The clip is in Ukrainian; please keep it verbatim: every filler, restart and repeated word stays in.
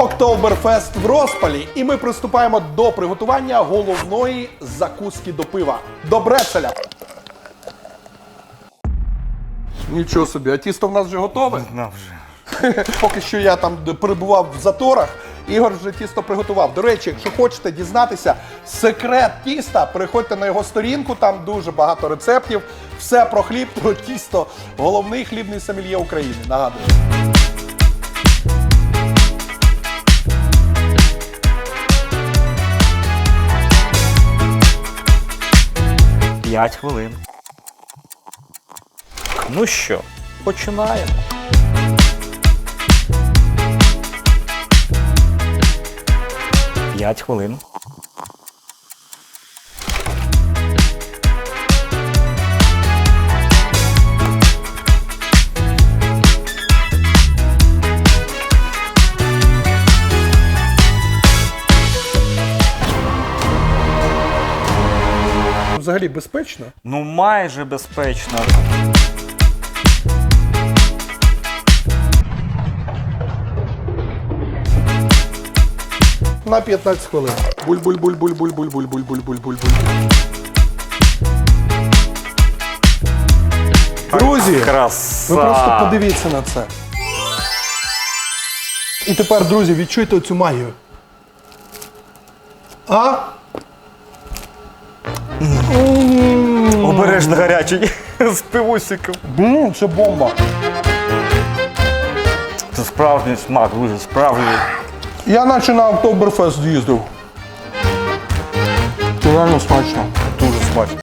Октоберфест в розпалі, і ми приступаємо до приготування головної закуски до пива – до брецеля. Нічого собі, а тісто в нас вже готове? На вже. Поки що я там перебував в заторах, Ігор вже тісто приготував. До речі, якщо хочете дізнатися секрет тіста, переходьте на його сторінку, там дуже багато рецептів. Все про хліб, про тісто. Головний хлібний сомельє України, нагадую. П'ять хвилин. Ну що, починаємо. П'ять хвилин. Взагалі безпечно? Ну майже безпечно. На п'ятнадцять хвилин. Буль-буль-буль-буль-буль-буль-буль-буль-буль-буль-буль. Друзі, Краса! ви просто подивіться на це. І тепер, друзі, відчуйте цю магію. А? Обережно гарячий з пивусиком. Блін, це бомба. Це справжній смак, дуже справжній. Я наче на Октоберфест їздив. Це реально смачно. Дуже смачно.